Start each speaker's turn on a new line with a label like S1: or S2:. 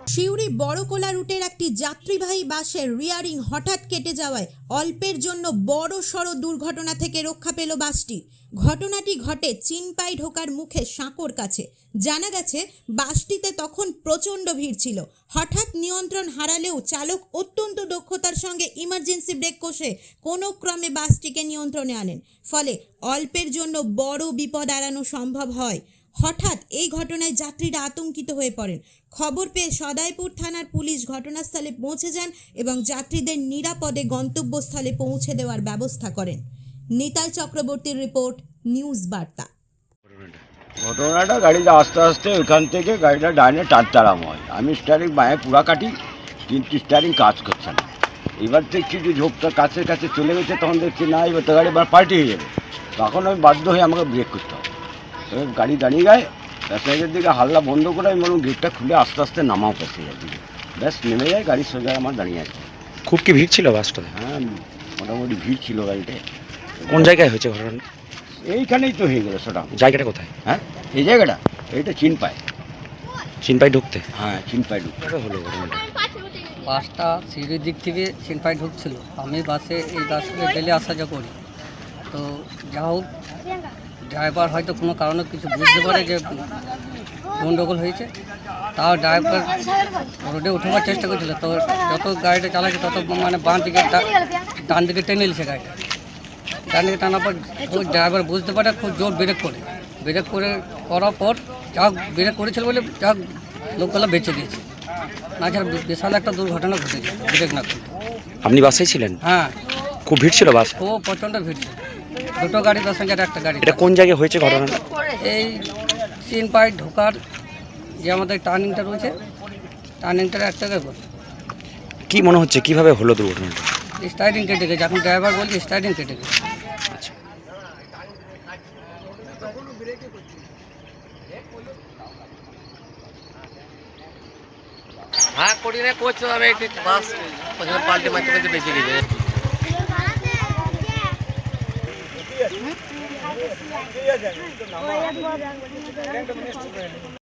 S1: সিউড়ি বড়কোলা রুটের একটি যাত্রীবাহী বাসের রিয়ারিং হঠাৎ কেটে যাওয়ায় অল্পের জন্য বড় সড় দুর্ঘটনা থেকে রক্ষা পেল বাসটি। ঘটনাটি ঘটে চিনপাই ঢোকার মুখে সাঁকোর কাছে। জানা গেছে বাসটিতে তখন প্রচণ্ড ভিড় ছিল। হঠাৎ নিয়ন্ত্রণ হারালেও চালক অত্যন্ত দক্ষতার সঙ্গে ইমার্জেন্সি ব্রেক কষে কোনো ক্রমে বাসটিকে নিয়ন্ত্রণে আনেন। ফলে অল্পের জন্য বড় বিপদ এড়ানো সম্ভব হয়। হঠাৎ এই ঘটনায় যাত্রীরা আতঙ্কিত হয়ে পড়েন। খবর পেয়ে সদাইপুর থানার পুলিশ ঘটনাস্থলে পৌঁছে যান এবং যাত্রীদের নিরাপদে গন্তব্যস্থলে পৌঁছে দেওয়ার ব্যবস্থা করেন। নিতাই চক্রবর্তীর রিপোর্ট, নিউজ বার্তা।
S2: ঘটনাটা গাড়িটা আস্তে আস্তে ওইখান থেকে গাড়িটা ডাইনে টানতারাম হয়। আমি স্টারিং বাঁয়ে পুরা কাটি, কিন্তু স্টারিং কাজ করছে না। এবার দেখছি যে ঝোঁকটা কাছের কাছে চলে গেছে, তখন দেখছি না এবার তো গাড়ি এবার পাল্টি হয়ে যাবে। তখন আমি বাধ্য হয়ে আমাকে ব্রেক করতে হবে। তবে গাড়ি দাঁড়িয়ে গায়ে প্যাসেঞ্জারের দিকে হাল্লা বন্ধ করে আমি বলুন গেটটা খুলে আস্তে আস্তে নামাও প্যাসেঞ্জার দিকে। ব্যাস নেমে যায়, গাড়ির সোজা আমার দাঁড়িয়ে আছে।
S3: খুব কি ভিড় ছিল বাসটাতে?
S2: হ্যাঁ, মোটামুটি ভিড় ছিল গাড়িতে।
S3: কোন জায়গায় হয়েছে ঘটনা?
S2: এইখানেই তো হয়ে গেল সেটা।
S3: জায়গাটা কোথায়?
S2: হ্যাঁ, এই জায়গাটা এইটা চিনপাই।
S3: চিনপাই ঢুকতে?
S2: হ্যাঁ, চিনপাই ঢুকতে।
S3: কিভাবে হলো ঘটনাটা?
S4: বাসটা সিঁড়ির দিক থেকে চিনপাই ঢুকছিল। আমি বাসে এই বাসে ডেলি আসা যা করি। তো যা হোক, ড্রাইভার হয়তো কোনো কারণে কিছু বুঝতে পারে যে গণ্ডগোল হয়েছে। তাও ড্রাইভার রোডে উঠবার চেষ্টা করছিল। তো যত গাড়িটা চালাচ্ছে তত মানে বাঁ দিকে ডান দিকে টেনে নিয়েছে গাড়িটা। ডান দিকে টানার পর ওই ড্রাইভার বুঝতে পারে, খুব জোর ব্রেক করার পর যা ব্রেক করেছিল বলে যা লোকগুলো বেঁচে দিয়েছে। না ছাড়া বিশাল একটা দুর্ঘটনা ঘটেছে ব্রেক না করে।
S3: আপনি বাসেই ছিলেন?
S4: হ্যাঁ,
S3: খুব ভিড় ছিল বাস?
S4: ও প্রচণ্ড ভিড় ছিল। দুটো গাড়ি প্যাসেঞ্জার, একটা গাড়ি।
S3: এটা কোন জায়গায় হয়েছে ঘটনাটা?
S4: এই চিনপাই ঢোকার যে আমাদের টার্নিংটা রয়েছে, টার্নিংটার এক জায়গায় বলে
S3: কি মনে হচ্ছে কিভাবে হলো দুর্ঘটনাটা?
S4: স্টার্টিং কেটে গেছে। এখন ড্রাইভার বলছে স্টার্টিং কেটে গেছে।
S3: আচ্ছা,
S5: হ্যাঁ করি না করছো, আমি একটু বাস পাল্টে মারতে মারতে বেঁচে গেছে।